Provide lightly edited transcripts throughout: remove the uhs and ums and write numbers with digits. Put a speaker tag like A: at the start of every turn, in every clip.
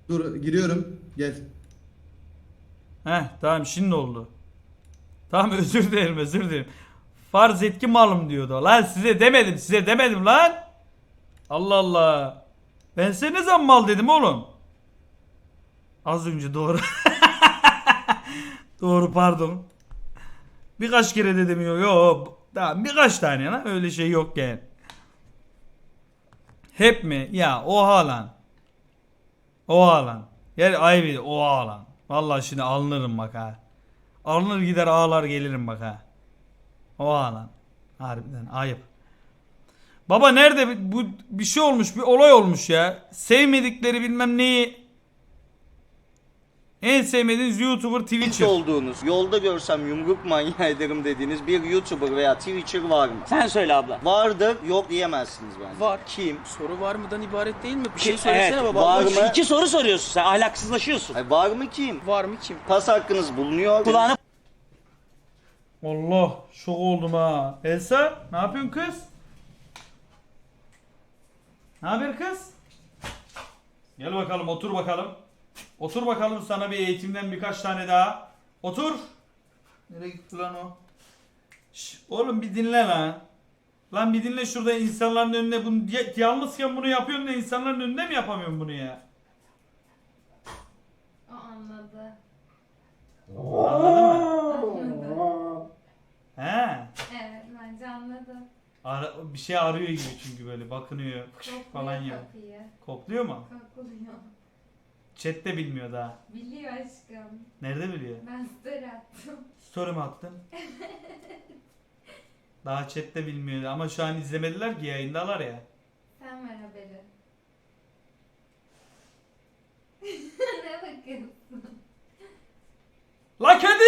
A: Dur giriyorum. Gel.
B: Heh tamam şimdi oldu. Tamam özür dilerim özür dilerim. Farz etki malım diyordu. Lan size demedim lan. Allah Allah. Ben size ne zaman mal dedim oğlum? Az önce doğru. Doğru pardon. Birkaç kere dedim yok. Tamam birkaç tane lan öyle şey yok yani. Hep mi? Ya oha lan. Oha lan. Yer ayıp oha lan. Vallahi şimdi alınırım bak ha. Alınır gider ağlar gelirim bak ha. Oha lan. Harbiden ayıp. Baba nerede bu bir şey olmuş bir olay olmuş ya. Sevmedikleri bilmem neyi. En sevmediğiniz YouTuber
C: Hiç
B: Twitcher.
C: olduğunuz, yolda görsem yumruk manyağı ederim dediğiniz bir YouTuber veya Twitcher var mı? Sen söyle abla. Vardır, yok diyemezsiniz bence.
D: Var.
C: Kim?
D: Soru var mıdan ibaret değil mi? Bir şey söylesene baba.
C: var
D: Allah
C: mı?
D: aşkına.
C: İki soru soruyorsun sen, ahlaksızlaşıyorsun. Var mı kim?
D: Var mı kim?
C: Pas hakkınız bulunuyor. Kulağını
B: Allah şok oldum ha. Elsa ne yapıyorsun kız? Ne haber kız? Gel bakalım otur bakalım. Otur bakalım sana bir eğitimden birkaç tane daha. Otur. Nereye gitti lan o? Şş, oğlum bir dinle lan. Lan bir dinle şurada insanların önünde bunu yalnızken bunu yapıyorsun da insanların önünde mi yapamıyorsun bunu ya?
E: O anladı.
B: Anladın mı?
E: Anladı.
B: He.
E: Evet bence anladı.
B: Bir şey arıyor gibi çünkü böyle bakınıyor falan
E: Kokluyor
B: ya.
E: kapıyı.
B: Kopluyor mu?
E: Kokluyor.
B: Chat de bilmiyor daha.
E: Biliyor aşkım.
B: Nerede biliyor?
E: Ben story attım.
B: Story mi attın? Daha chat de bilmiyor ama şu an izlemediler ki yayındalar ya.
E: Sen ver haberi. Ne bakıyorsun?
B: La kedi!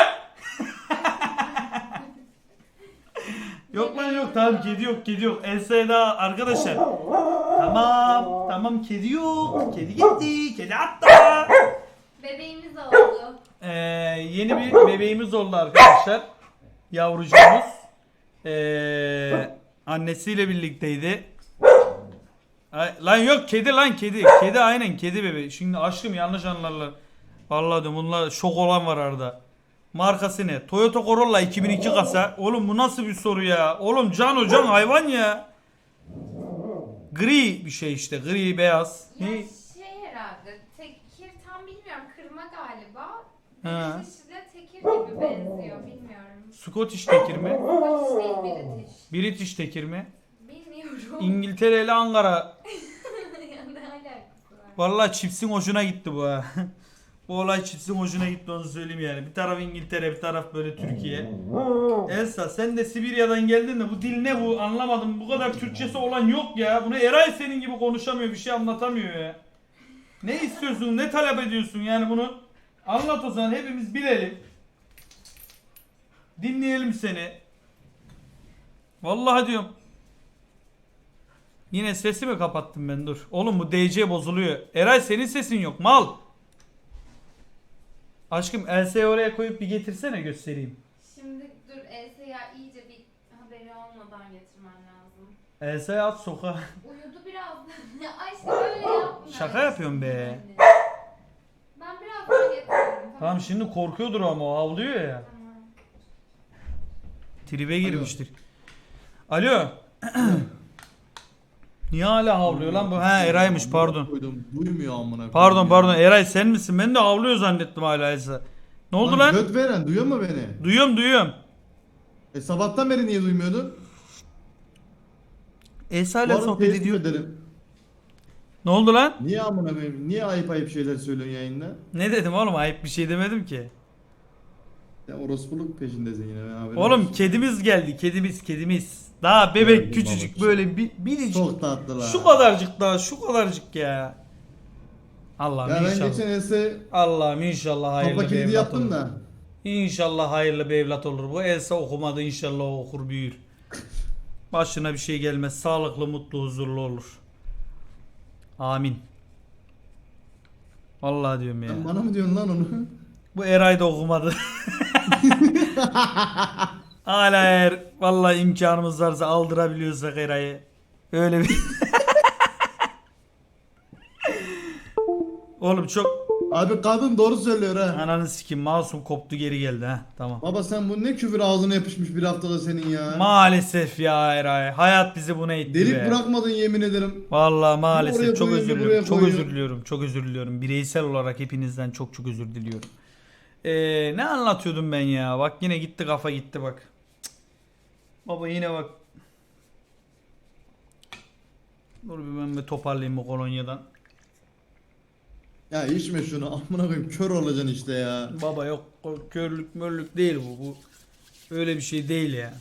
B: Yok lan yok tamam kedi yok. Elsa'ya daha arkadaşlar. Tamam kedi yok. Kedi gitti. Kedi attı.
E: Bebeğimiz oldu.
B: Yeni bir bebeğimiz oldu arkadaşlar. Yavrucuğumuz. Annesiyle birlikteydi. Lan yok kedi lan kedi. Kedi aynen kedi bebeği. Şimdi aşkım yanlış anlarlar. Vallahi diyorum bunlar şok olan var arada. Markası ne? Toyota Corolla 2002 kasa. Oğlum bu nasıl bir soru ya? Oğlum can hayvan ya. Gri bir şey işte. Gri beyaz.
E: Ya
B: Ne?
E: şey herhalde. Tekir tam bilmiyorum. Kırma galiba.
B: Ha.
E: British ile tekir gibi benziyor. Bilmiyorum.
B: Scottish tekir mi?
E: British değil British.
B: British tekir mi?
E: Bilmiyorum.
B: İngiltere ile Ankara.
E: Ya ne alakası var?
B: Vallahi çipsin hoşuna gitti bu ha. Bu olay çipsin hoşuna gitti onu söyleyeyim yani. Bir taraf İngiltere bir taraf böyle Türkiye. Elsa sen de Sibirya'dan geldin de bu dil ne bu anlamadım. Bu kadar Türkçesi olan yok ya. Bunu Eray senin gibi konuşamıyor bir şey anlatamıyor ya. Ne istiyorsun ne talep ediyorsun yani bunu anlat o zaman hepimiz bilelim. Dinleyelim seni. Vallahi diyorum. Yine sesimi kapattım ben dur. Oğlum bu DC bozuluyor. Eray senin sesin yok mal. Aşkım Elsa'yı oraya koyup bir getirsene göstereyim.
E: Şimdi dur Elsa'ya iyice bir haberi olmadan getirmen lazım.
B: Elsa'yı at sokağa.
E: Uyudu biraz. Ya Ayşe böyle yapma.
B: Şaka yapıyorum be.
E: Ben biraz daha getiririm.
B: Tamam şimdi korkuyordur ama o havlıyor ya.
E: Tamam.
B: Tribe girmiştir. Alo. Niye hala havlıyor lan bu? Ha Eray'mış pardon.
A: Koydum. Duymuyor amına koyayım.
B: Pardon Eray sen misin? Ben de havlıyor zannettim hala Elsa. Ne oldu lan?
A: Göt veren duyuyor mu beni?
B: Duyuyorum.
A: Sabahtan beri niye duymuyordun?
B: Elsa ile
A: Bu arada
B: sohbet
A: teessüf
B: ediyor.
A: ederim.
B: Ne oldu lan?
A: Niye amına koyayım? Niye ayıp şeyler söylüyorsun yayında?
B: Ne dedim oğlum ayıp bir şey demedim ki.
A: Sen orospuluk peşindesin yine. Ben haberim
B: Oğlum
A: olsun.
B: kedimiz geldi kedimiz. Daha bebek
A: Gördüm
B: küçücük
A: babacığım.
B: böyle biricik.
A: Çok tatlılar.
B: Şu kadarcık daha şu kadarcık ya. Allah'ım
A: Ya ben
B: inşallah.
A: geçen ese
B: Allah'ım inşallah hayırlı
A: topa
B: bir
A: kilidi
B: evlat
A: yaptım
B: olur.
A: da.
B: İnşallah hayırlı bir evlat olur. Bu Elsa okumadı inşallah o okur büyür. Başına bir şey gelmez. Sağlıklı, mutlu, huzurlu olur. Amin. Vallahi diyorum ya.
A: Sen bana mı diyorsun lan onu?
B: Bu Eray da okumadı. Hala eğer vallahi imkanımız varsa aldırabiliyorsak Eray'ı. Öyle bir... Oğlum çok
A: Abi kadın doğru söylüyor ha.
B: ananı sikim masum koptu geri geldi ha. Tamam.
A: Baba sen bu ne küfür ağzına yapışmış bir haftada senin ya.
B: Maalesef ya Eray. Hayat bizi buna itti
A: Delik
B: be.
A: bırakmadın yemin ederim.
B: Vallahi
A: oraya
B: maalesef çok
A: koyuyor,
B: özür
A: bir buraya
B: diliyorum. Çok
A: koyuyor.
B: özür diliyorum. Çok özür diliyorum. Bireysel olarak hepinizden çok çok özür diliyorum. Ne anlatıyordum ben ya? Bak yine gitti kafa gitti bak. Cık. Baba yine bak. Dur bir ben bir toparlayayım bu kolonyadan.
A: Ya içme şunu amına koyayım kör olacaksın işte ya.
B: Baba yok körlük mörlük değil bu. Bu öyle bir şey değil ya.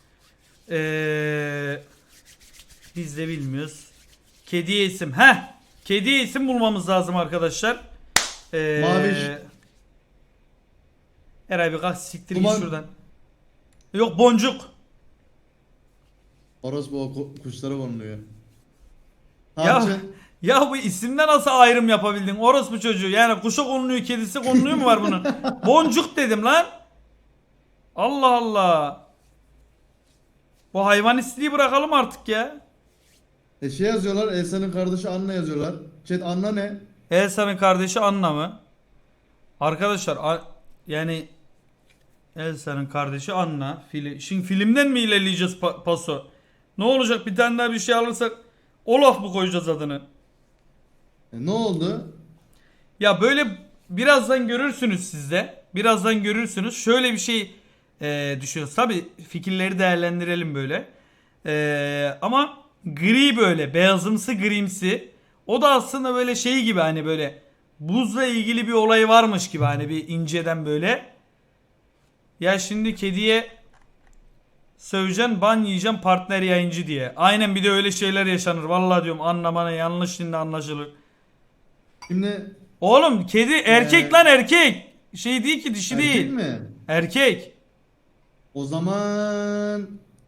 B: Biz de bilmiyoruz. Kediye isim. Kediye isim bulmamız lazım arkadaşlar.
A: Maviş.
B: Eray bir kalk siktir git
A: Duman.
B: şuradan. Yok boncuk.
A: Orospu o kuşlara konuluyor.
B: Ya,
A: Tarçın.
B: ya bu isimden nasıl ayrım yapabildin? Orospu çocuğu. Yani kuşa konuluyor, kedisi konuluyor mu var bunun? Boncuk dedim lan. Allah Allah. Bu hayvanistliği bırakalım artık ya.
A: Şey yazıyorlar Elsa'nın kardeşi Anna yazıyorlar. Chat Anna ne?
B: Elsa'nın kardeşi Anna mı? Arkadaşlar yani Elsa'nın kardeşi Anna. Şimdi filmden mi ilerleyeceğiz paso? Ne olacak bir tane daha bir şey alırsak Olaf mı koyacağız adını?
A: Ne oldu?
B: Ya böyle birazdan görürsünüz siz de. Birazdan görürsünüz. Şöyle bir şey düşünüyoruz. Tabi fikirleri değerlendirelim böyle. Ama gri böyle beyazımsı grimsi. O da aslında böyle şey gibi hani böyle buzla ilgili bir olay varmış gibi hani bir inceden böyle. Ya şimdi kediye söveceksin ban yiyeceğim partner yayıncı diye. Aynen bir de öyle şeyler yaşanır. Vallahi diyorum anlamana yanlış şimdi anlaşılır.
A: Şimdi
B: Oğlum kedi erkek lan erkek. Şey değil ki dişi
A: erkek
B: değil.
A: mi?
B: Erkek.
A: O zaman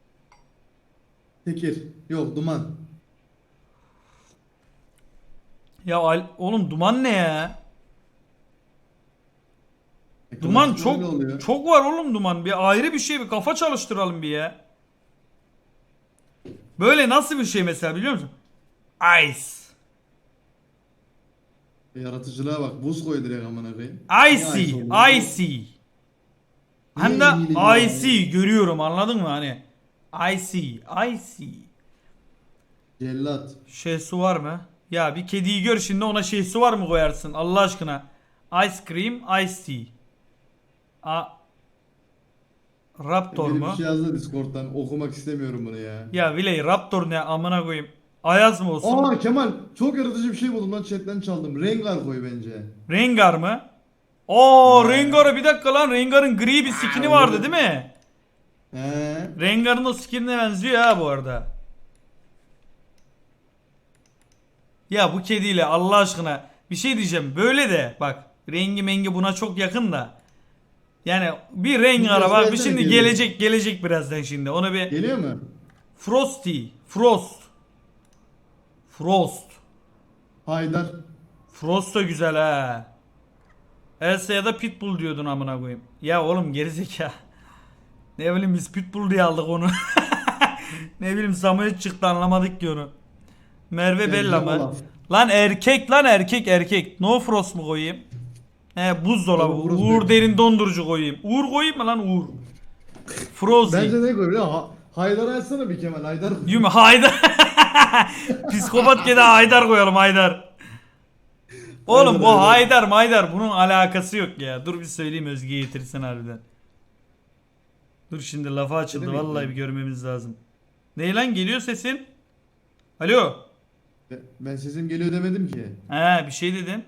A: Tekir. Yok Duman.
B: Ya oğlum duman ne ya?
A: Klasik
B: Duman
A: öyle
B: çok
A: oluyor.
B: çok var oğlum duman. Bir ayrı bir şey bir kafa çalıştıralım bir ya. Böyle nasıl bir şey mesela biliyor musun? Ice.
A: Yaratıcılığa bak. Buz koy direkt amına koyayım. Niye
B: Icy.
A: oluyor?
B: Icy. Hem de
A: İngilizce
B: icy görüyorum anladın mı hani? Icy. Icy.
A: Cellat.
B: Şeysi var mı? Ya bir kediyi gör şimdi ona şeysi var mı koyarsın Allah aşkına? Ice cream, ice tea. Raptor
A: Biri
B: mu?
A: bir şey yazdı Discord'dan. Okumak istemiyorum bunu ya.
B: Ya Viley Raptor ne amına koyayım. Ayaz mı olsun?
A: Aa Kemal çok yaratıcı bir şey buldum lan chatten çaldım. Rengar koy bence.
B: Rengar mı? Oo Rengar'ı bir dakika lan Rengar'ın gri bir skin'i vardı değil mi?
A: He.
B: Rengar'ın o skinine benziyor ha bu arada. Ya bu kediyle Allah aşkına bir şey diyeceğim. Böyle de bak rengi mengi buna çok yakın da. Yani bir Rengar'a bak bir
A: göstersene
B: şimdi
A: kediyi.
B: gelecek birazdan şimdi. Ona bir
A: Geliyor mu?
B: Frost.
A: Haydar.
B: Frost da güzel ha. Elsa ya da Pitbull diyordun amına koyayım. Ya oğlum gerizekalı. Ne bileyim biz Pitbull diye aldık onu. Ne bileyim Samuel çıktı anlamadık ki onu. Merve Bella mı?
A: Olaf.
B: Lan erkek. No Frost mu koyayım? Buzdolabı.
A: Uğur Frost
B: Uğur
A: dedim.
B: derin dondurucu koyayım. Uğur koyayım mı lan Uğur? Frozen.
A: Bence ne koy biliyor musun? Haydar açsana bir Kemal. Haydar koy.
B: Yumi Haydar. Psikopat kedi Haydar koyalım Haydar. Oğlum bu Haydar bunun alakası yok ya. Dur bir söyleyeyim Özge'ye getirsin harbiden. Dur şimdi lafa açıldı
A: demek
B: vallahi
A: ya?
B: bir görmemiz lazım. Ne lan geliyor sesin? Alo.
A: Ben sesim geliyor demedim ki.
B: He bir şey dedin.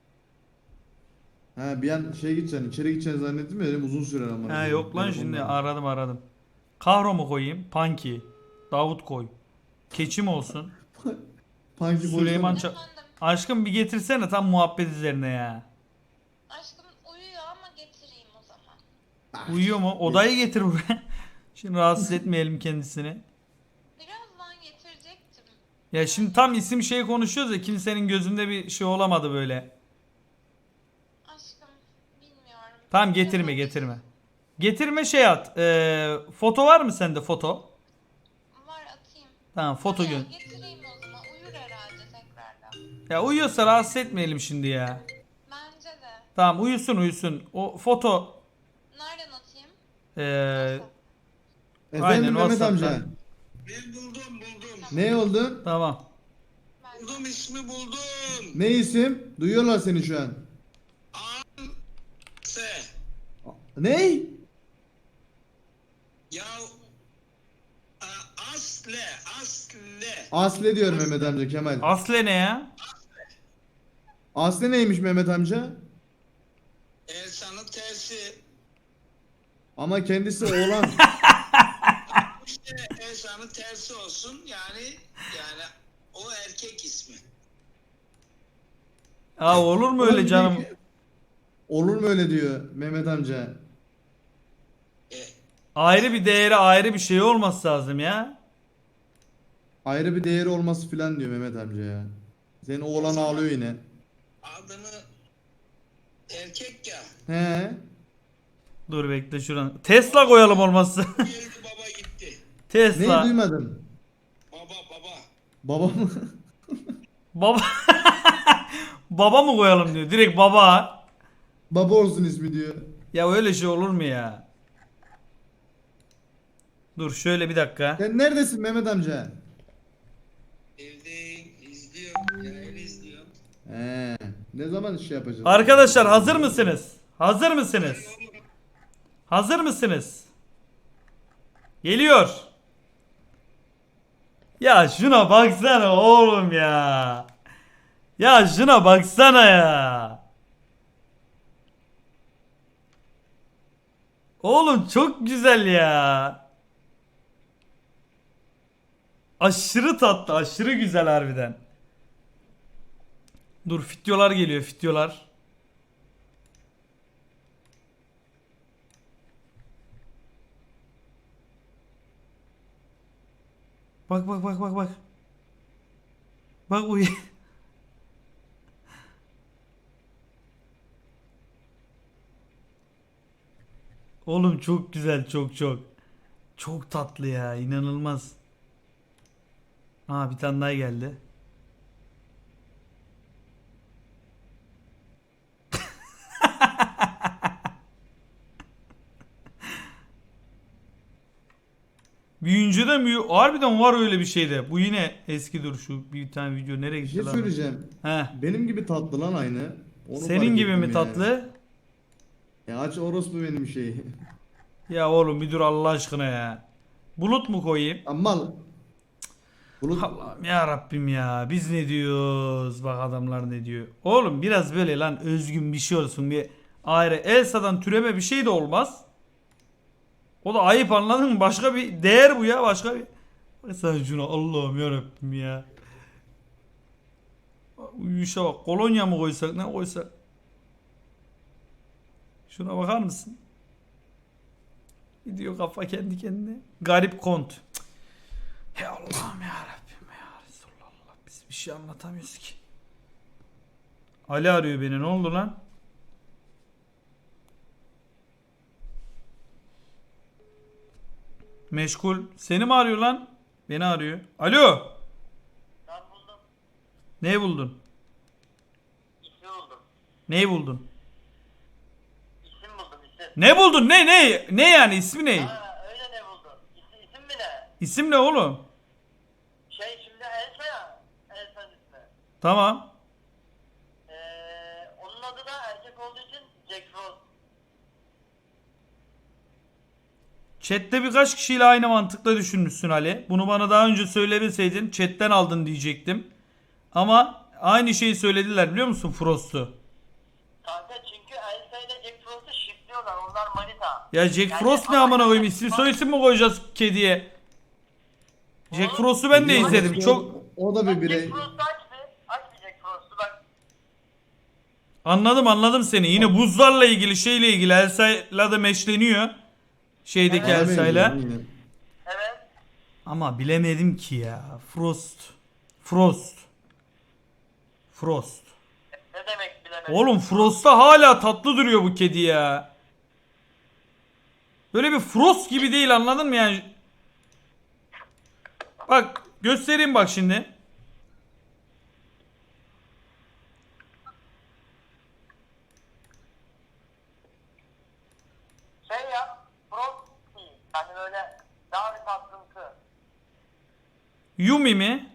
A: Ha bir an şey gideceksin içeri gideceksin zannettim ya dedim uzun sürer ama.
B: He yok lan şimdi aradım. Kahro mu koyayım? Punky. Davut koy. Keçi mi olsun?
A: Panki
B: Süleyman
A: boşuna-
B: Aşkım bir getirsene tam muhabbet üzerine ya.
E: Aşkım uyuyor ama getireyim o zaman.
B: Uyuyor mu? Odayı getir buraya. Şimdi rahatsız etmeyelim kendisini.
E: Birazdan getirecektim.
B: Ya şimdi tam isim şey konuşuyoruz ya kimsenin gözünde bir şey olamadı böyle.
E: Aşkım bilmiyorum.
B: Tamam getirme. Getirme şey at. Foto var mı sende foto?
E: Var atayım.
B: Tamam foto
E: Ya,
B: gö.
E: getireyim o zaman. Uyur herhalde tekrardan.
B: Ya uyuyorsa rahatsız etmeyelim şimdi ya.
E: Bence de.
B: Tamam uyusun. O foto
E: Nereden atayım?
B: Aynen,
A: Efendim Mehmet
B: WhatsApp'tan.
A: amca.
F: Ben buldum.
A: Ne oldu?
B: tamam.
F: Buldum ismi buldum.
A: Ne isim? Duyuyorlar seni şu an.
F: Se.
A: Ne?
F: Ya Asle.
A: Asle diyor Mehmet amca Kemal.
B: Asle ne ya?
A: Asle neymiş Mehmet amca?
F: Elsa'nın tersi.
A: Ama kendisi oğlan.
F: İşte Elsa'nın tersi olsun yani o erkek ismi.
B: Aa olur mu öyle canım?
A: Olur mu öyle diyor Mehmet amca.
F: E,
B: Ayrı bir değeri ayrı bir şey olması lazım ya.
A: Ayrı bir değeri olması filan diyor Mehmet amca ya. Senin oğlan ağlıyor yine.
F: adını erkek ya.
A: He.
B: Dur bekle şuradan. Tesla koyalım olmazsa.
F: Geldi baba gitti.
A: Neyi
B: Tesla.
A: duymadın?
F: Baba.
A: Baba mı?
B: Baba. Baba mı koyalım diyor. Direkt baba.
A: Baba olsun ismi diyor.
B: Ya öyle şey olur mu ya? Dur şöyle bir dakika.
A: Sen neredesin Mehmet amca?
F: Evdeyim izliyorum. Yayın izliyorum.
A: He. Ne zaman iş yapacağız?
B: Arkadaşlar hazır mısınız? Hazır mısınız? Hazır mısınız? Geliyor. Ya şuna baksana oğlum ya. Ya şuna baksana ya. Oğlum çok güzel ya. Aşırı tatlı, aşırı güzel harbiden. Dur fityolar geliyor, fityolar. Bak. Bak uy. Oğlum çok güzel, çok. Çok tatlı ya, inanılmaz. Aa bir tane daha geldi. Büyüyünce de büyü. Harbiden var öyle bir şeyde. Bu yine eski dur şu bir tane video nereye
A: Bir
B: gitti
A: şey
B: lan?
A: söyleyeceğim.
B: He.
A: Benim gibi tatlı lan aynı. Onu
B: Senin
A: fark
B: gibi
A: ettim
B: mi
A: yani.
B: tatlı?
A: Ya aç orospu benim şeyi.
B: Ya oğlum bir dur Allah aşkına ya. Bulut mu koyayım?
A: Amma Bulut
B: Allah'ım ya Rabbim ya. Biz ne diyoruz? Bak adamlar ne diyor. Oğlum biraz böyle lan özgün bir şey olsun. Bir ayrı Elsa'dan türeme bir şey de olmaz. O da ayıp anladın mı? Başka bir değer bu ya. Başka bir. Mesela şuna Allah'ım ya Rabbim ya. Uyuşa bak. Kolonya mı koysak ne koysak? Şuna bakar mısın? Gidiyor kafa kendi kendine. Garip kont. Cık. Hey Allah'ım ya Rabbim ya Resulallah. Biz bir şey anlatamıyoruz ki. Ali arıyor beni. Ne oldu lan? Meşgul. Seni mi arıyor lan? Beni arıyor. Alo.
F: Ben buldum.
B: Neyi buldun?
F: İsmi buldum.
B: Neyi buldun?
F: İsim buldum isim.
B: Ne buldun? Ne yani? İsmi ne?
F: Öyle ne buldun? İsim mi ne?
B: İsim ne oğlum?
F: Şimdi Elsa ya. Elsa'nın ismi.
B: Tamam.
F: Onun adı da erkek olduğu için Jack Frost.
B: Chat'te birkaç kişiyle aynı mantıkla düşünmüşsün Ali. Bunu bana daha önce söylemeseydin chat'ten aldın diyecektim. Ama aynı şeyi söylediler biliyor musun Frost'u?
F: Kanka çünkü Elsa ile Jack Frost'u shipliyorlar. Onlar manita.
B: Ya Jack Frost ne amına koyayım? İsim soy isim mi koyacağız kediye? Jack Frost'u ben de izledim. Çok
A: o da bir birey.
F: Jack Frost'u aç bir. Aç bir Jack Frost'u bak.
B: anladım seni. Yine buzlarla ilgili şeyle ilgili Elsa'yla da meşleniyor. Şeydeki
A: Bana
B: Elsa'yla.
A: benziyor lan yine.
F: Evet.
B: Ama bilemedim ki ya. Frost.
F: Ne demek bilemedim.
B: Oğlum Frost'ta hala tatlı duruyor bu kedi ya. Böyle bir Frost gibi değil anladın mı yani? Bak göstereyim bak şimdi. Yumi mi?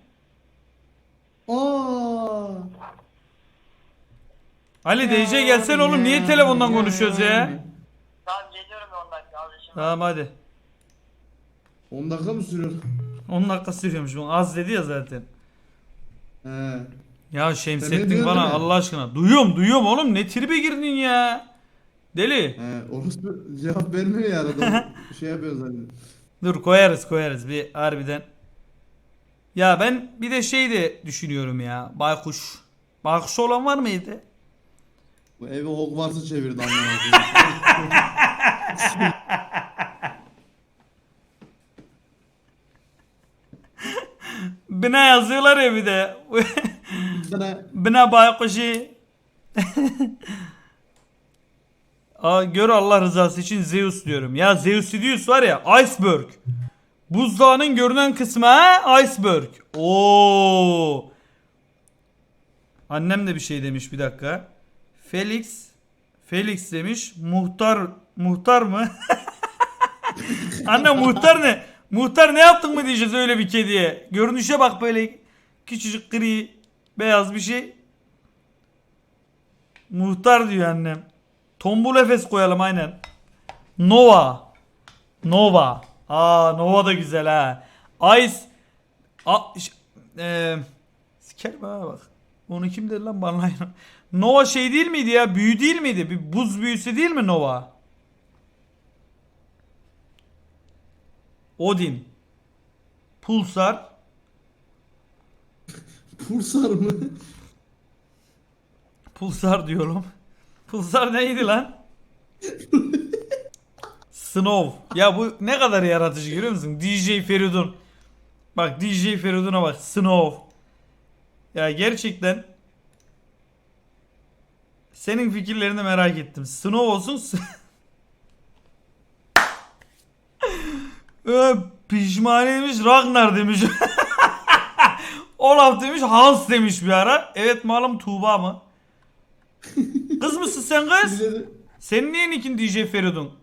A: Aa.
B: Ali DC gelsen oğlum, niye telefondan konuşuyoruz ya?
F: Tamam geliyorum 10 dakika al işim.
B: Tamam hadi.
A: 10 dakika mı sürüyor?
B: 10 dakika sürüyormuş bu. Az dedi ya zaten.
A: He.
B: Ya
A: Sen
B: Şemsettin
A: beni duyuyorsun
B: bana
A: değil mi?
B: Allah aşkına. Duyuyorum oğlum, ne tribe girdin ya? Deli.
A: He. Orası cevap vermiyor ya arada. Şey yapıyor zaten.
B: Dur koyarız bir harbiden. Ya ben bir de şey de düşünüyorum ya. Baykuş. Baykuş olan var mıydı?
A: Bu evi Hogwarts'a çevirdi amına koyayım.
B: Bina yazıyorlar ya bir de.
A: Sana
B: Bina baykuşu. Aa, gör Allah rızası için Zeus diyorum. Ya Zeus var ya, iceberg. Buzdağının görünen kısmı ha, iceberg. Oo. Annem de bir şey demiş, bir dakika. Felix demiş. Muhtar mı? Anne muhtar ne? Muhtar ne yaptın mı diyeceğiz öyle bir kediye. Görünüşe bak, böyle küçücük gri beyaz bir şey. Muhtar diyor annem. Tombul Efes koyalım aynen. Nova. Aa, Nova da güzel ha. Ice. Sikerim ha bak. Onu kim dedi lan bana? Nova şey değil miydi ya? Büyü değil miydi? Bir buz büyüsü değil mi Nova? Odin. Pulsar.
A: Pulsar mı?
B: Pulsar diyorum. Pulsar neydi lan? Snow. Ya bu ne kadar yaratıcı, görüyor musun? DJ Feridun. Bak DJ Feridun'a bak. Snow. Ya gerçekten senin fikirlerini merak ettim. Snow olsun. Pişmani demiş, Ragnar demiş. Olaf demiş, Hans demiş bir ara. Evet malum, Tuğba mı? Kız mısın sen kız?
A: Bir de-
B: Senin niye nickin DJ Feridun?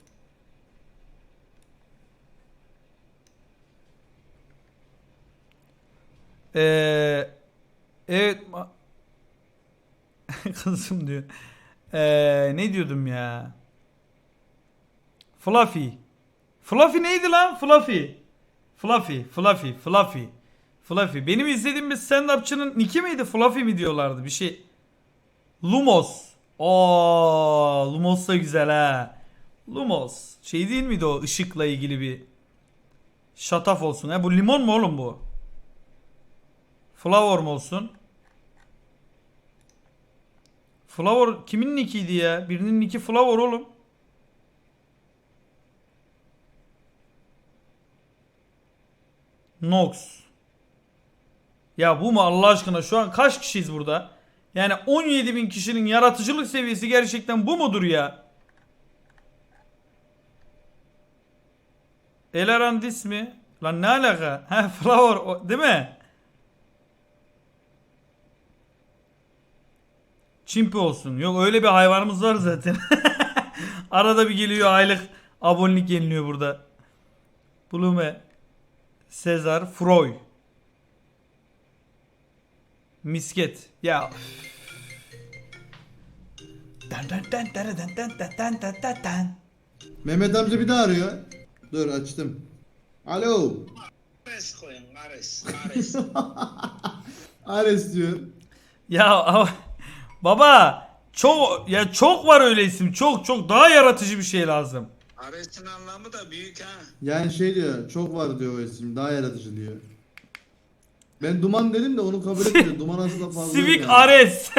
B: Evet. Kızım diyor. Ne diyordum ya? Fluffy. Fluffy neydi lan? Fluffy. Benim izlediğim bir stand-upçının nicki miydi? Fluffy mi diyorlardı? Bir şey. Lumos. Oo, Lumos da güzel ha. Lumos. Şey değil miydi o, ışıkla ilgili bir şataf olsun. Ha, bu limon mu oğlum bu? Flower mu olsun? Flower kimin nickiydi ya? Birinin nicki Flower oğlum. Nox. Ya bu mu Allah aşkına? Şu an kaç kişiyiz burada? Yani 17.000 kişinin yaratıcılık seviyesi gerçekten bu mudur ya? Elarandis mi? Lan ne alaka? Ha, Flower değil mi? Çimpi olsun. Yok, öyle bir hayvanımız var zaten. Arada bir geliyor, aylık abonelik yeniliyor burada. Blume. Sezar. Freud. Misket. Ya.
A: Mehmet amca bir daha arıyor. Dur açtım. Alo.
F: Ares koyun Ares.
A: Ares diyor.
B: Ya baba, çok var öyle isim. Çok daha yaratıcı bir şey lazım.
F: Ares'in anlamı da büyük ha.
A: Yani şey diyor, çok var diyor o isim, daha yaratıcı diyor. Ben Duman dedim de onu kabul etmiyor. Duman aslında fazla.
B: Civic
A: yani.
B: Ares.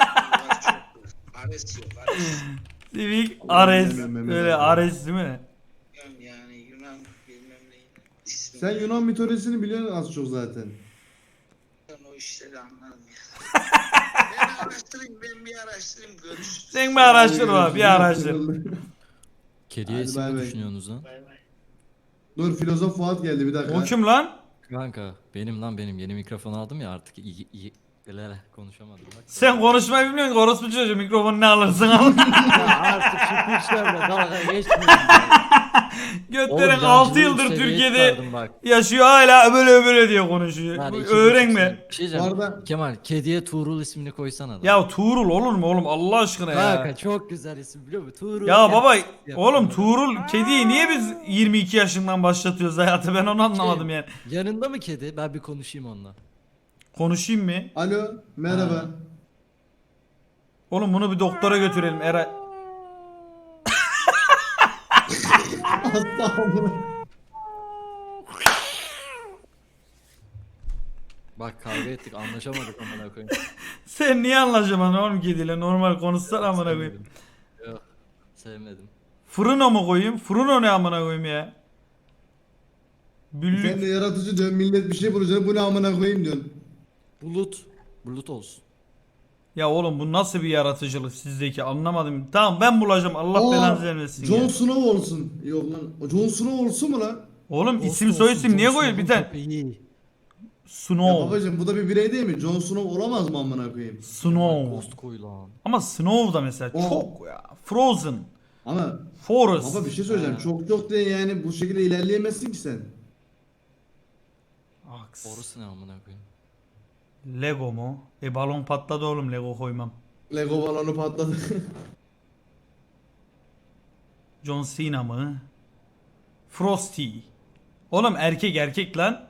F: Ares yok Ares.
B: Civic Ares.
A: Mehmet
B: Böyle
A: abi.
B: Ares değil mi?
F: Yani Yunan bilmem neyin ismi.
A: Sen Yunan mitolojisini biliyorsun az çok zaten.
F: O işleri anlarım ya. Ben bir araştırayım görüşürüz.
B: Sen bir araştır baba, bir araştır.
G: Kediye
A: Hadi
G: isim
A: bay
G: mi
A: bay.
G: düşünüyorsunuz lan?
F: Bay bay.
A: Dur, filozof Fuat geldi bir dakika.
B: O kim lan?
G: Kanka benim yeni mikrofon aldım ya artık iyi konuşamadım bak.
B: Sen konuşmayı bilmiyorsun ki orospu çocuğu, mikrofonu ne alırsın al.
G: Ya artık şu kuşlarla dalga geçmiyorum.
B: Götleren
G: Oğlum,
B: 6
G: yancılığı
B: yıldır
G: seviyeye
B: Türkiye'de
G: çıkardım bak.
B: yaşıyor hala böyle diye konuşuyor.
G: Yani
B: Bu
G: 2000
B: öğrenme.
G: Bir şey diyeceğim.
A: Bu arada-
G: Kemal kediye Tuğrul ismini koysana da.
B: Ya Tuğrul olur mu oğlum Allah aşkına ya.
G: Kanka çok güzel isim biliyor musun? Tuğrul.
B: Ya baba
G: Yaptım
B: oğlum
G: bunu.
B: Tuğrul kediyi niye biz 22 yaşından başlatıyoruz hayatı ben onu anlamadım yani.
G: Yanında mı kedi? Ben bir konuşayım onunla.
B: Konuşayım mı?
A: Alo merhaba.
G: Ha.
B: Oğlum bunu bir doktora götürelim Eray.
A: Estağfurullah.
G: Bak kavga ettik anlaşamadık amına koyayım.
B: Sen niye anlaşamadın oğlum kediyle normal konuşsana amına koyayım.
G: Sevmedim. Yok sevmedim.
B: Fırına mı koyayım? Fırına ne amına koyayım ya?
A: Sen
B: Büllük.
A: de yaratıcı diyorsun millet bir şey bulacak bu ne amına koyayım diyorsun.
G: Bulut. Bulut olsun.
B: Ya oğlum bu nasıl bir yaratıcılık sizdeki anlamadım. Tamam ben bulacağım Allah belanızı vermesin
A: Jon
B: ya.
A: Snow olsun. Yok lan. O Jon Snow olsun mu lan?
B: Oğlum isim
G: Olsun,
B: soy
G: olsun,
B: isim niye
G: Jon
B: koyuyor bir
G: Snow'un
B: tane?
G: köpeği.
A: Ya
B: Snow.
A: babacım bu da bir birey değil mi? Jon Snow olamaz mı amına koyayım?
B: Snow.
G: Ghost koy lan.
B: Ama Snow da mesela
A: O.
B: çok ya. Frozen.
A: Ama
B: Forest.
A: baba bir şey söyleyeceğim.
G: Ha.
A: Çok diye yani bu şekilde ilerleyemezsin ki sen.
B: Aks.
G: Orası ne amına koyayım.
B: Lego mu? Balon patladı oğlum Lego koymam.
A: Lego balonu patladı.
B: John Cena mı? Frosty. Oğlum erkek lan.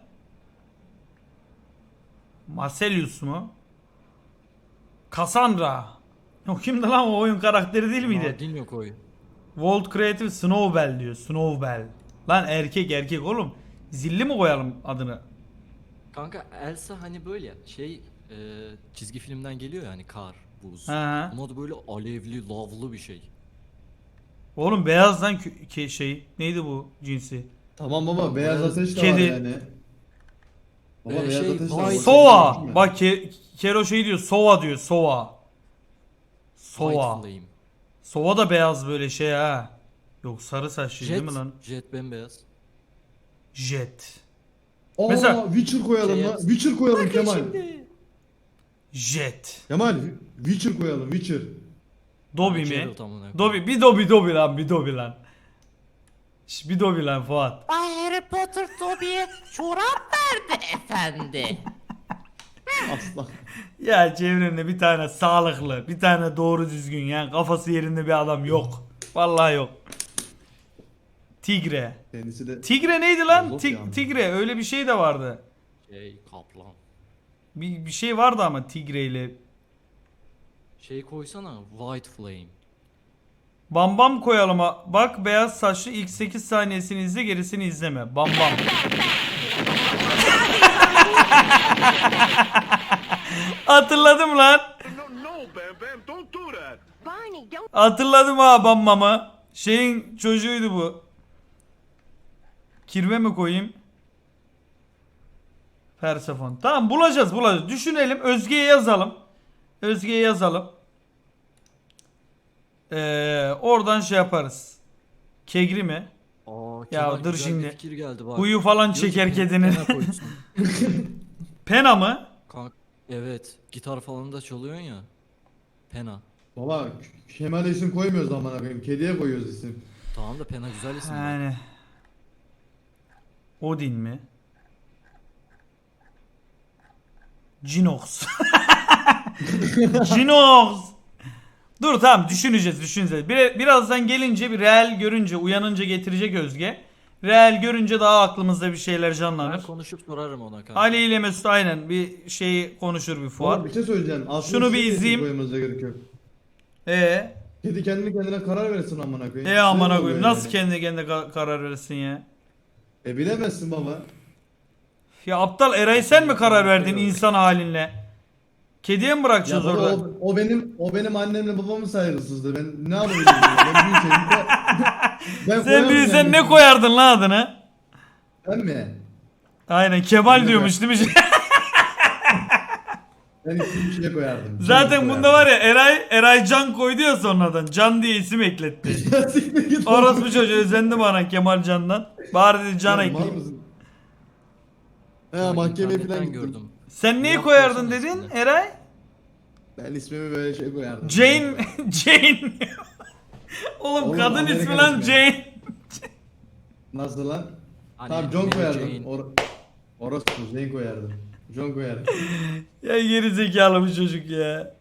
B: Marcellus mu? Cassandra. O kimdi lan o oyun karakteri değil miydi?
G: Mardinyo koy.
B: World Creative Snowbell diyor. Snowbell. Lan erkek oğlum. Zilli mi koyalım adını?
G: Kanka Elsa hani böyle ya çizgi filmden geliyor yani kar, buz.
B: Ha.
G: Buna da böyle alevli, lavlı bir şey.
B: Oğlum beyazdan şey neydi bu cinsi?
A: Tamam baba beyaz ateş de
B: Kedi.
A: var yani. Baba beyaz
G: Şey,
A: ateş de var.
G: vay,
B: Sova. Bak Kero şey diyor. Sova diyor. Sova. Sova.
G: White Flame.
B: Sova da beyaz böyle şey ha. Yok sarı saçlı değil mi lan?
G: Jet bembeyaz.
B: Jet.
A: Aa,
B: Mesela-
A: Witcher koyalım
G: Şey
A: lan.
G: yapsın.
A: Witcher koyalım Kemal.
B: Jet.
A: Kemal Witcher koyalım Witcher.
B: Dobby mi?
G: Geralt amına koyayım.
B: Dobby. Bir Dobby lan. Bir Dobby lan Fuat.
H: Bay Harry Potter Toby'ye çorap verdi efendi.
A: Aslan.
B: Ya çevremde bir tane sağlıklı, bir tane doğru düzgün yani kafası yerinde bir adam yok. Vallahi yok. Tigre.
A: Kendisi de
B: Tigre neydi lan?
A: Filozof yani.
B: Tigre öyle bir şey de vardı.
G: Kaplan.
B: Bir şey vardı ama Tigre ile.
G: Şey koysana White Flame.
B: Bam bam koyalım ha. Bak beyaz saçlı ilk 8 saniyesini izle gerisini izleme. Bam bam. Hatırladım lan. Hatırladım ha bam bamı. Şeyin çocuğuydu bu. Kirve mi koyayım? Persefon. Tamam bulacağız. Düşünelim. Özge'ye yazalım. Oradan şey yaparız. Kegri mi?
G: Aa,
B: Ya
G: Kemal,
B: dur
G: güzel
B: şimdi.
G: bir fikir geldi bak.
B: Huyu falan
G: Diyor ki,
B: çeker kedinin.
G: Pena koysun.
B: Pena mı?
G: Kanka, evet gitar falan da çalıyorsun ya. Pena.
A: baba Kemal'e isim koymuyoruz amına koyayım. Kediye koyuyoruz isim.
G: Tamam da Pena güzel isim. bak.
B: Yani. Odin mi? Jinox. Jinox. Dur tamam düşüneceğiz. Birazdan gelince bir real görünce uyanınca getirecek Özge. Real görünce daha aklımızda bir şeyler
G: Ben
B: canlanır.
G: konuşup sorarım ona kanka.
B: Ali ile Mesut aynen bir şey konuşur bir
A: Baba
B: Fuat.
A: bir şey söyleyeceğim. Aslında
B: Şunu bir
A: isim
B: izleyeyim.
A: koymamıza gerek yok. Kedi kendine karar versin amına koyayım.
B: Amına
A: Sen
B: koyayım
A: oluyor
B: nasıl
A: yani.
B: kendine karar verirsin ya?
A: Bilemezsin baba.
B: Ya aptal Eray sen mi karar verdin insan halinle? Kediye mi
A: Ya
B: bırakacağız
A: baba,
B: orada?
A: o benim annemle babamın saygısızlığı. Ben ne yapabilirim? Ben büyüseydim de- ben
B: Sen
A: koyarım
B: büyüsen
A: yani.
B: ne koyardın lan adını?
A: Ben mi?
B: Aynen Kemal
A: Ben de
B: diyormuş değil mi?
A: Ben isim bir şey koyardım.
B: Zaten bunda var ya Eray Can koydu ya sonradan. Can diye isim ekletti. Orospu çocuğu özendi bana Kemal Can'dan. Bari dedi Can ekleyeyim.
A: He mahkemeye
G: İnternetten
A: falan gittim.
G: gördüm.
B: Sen neyi
G: Yok,
B: koyardın
G: koysana
B: dedin
G: ismini.
B: Eray?
A: Ben ismimi böyle şey koyardım.
B: Jane. Oğlum
A: Oğlum,
B: kadın
A: Amerikan
B: ismi lan
A: ismi.
B: Jane.
A: Nasıl lan?
G: Hani
A: Tamam John
G: Mary
A: koyardım.
G: Jane-
A: Orası Jane koyardım. John koyardım.
B: Ya geri zekalı bu çocuk ya.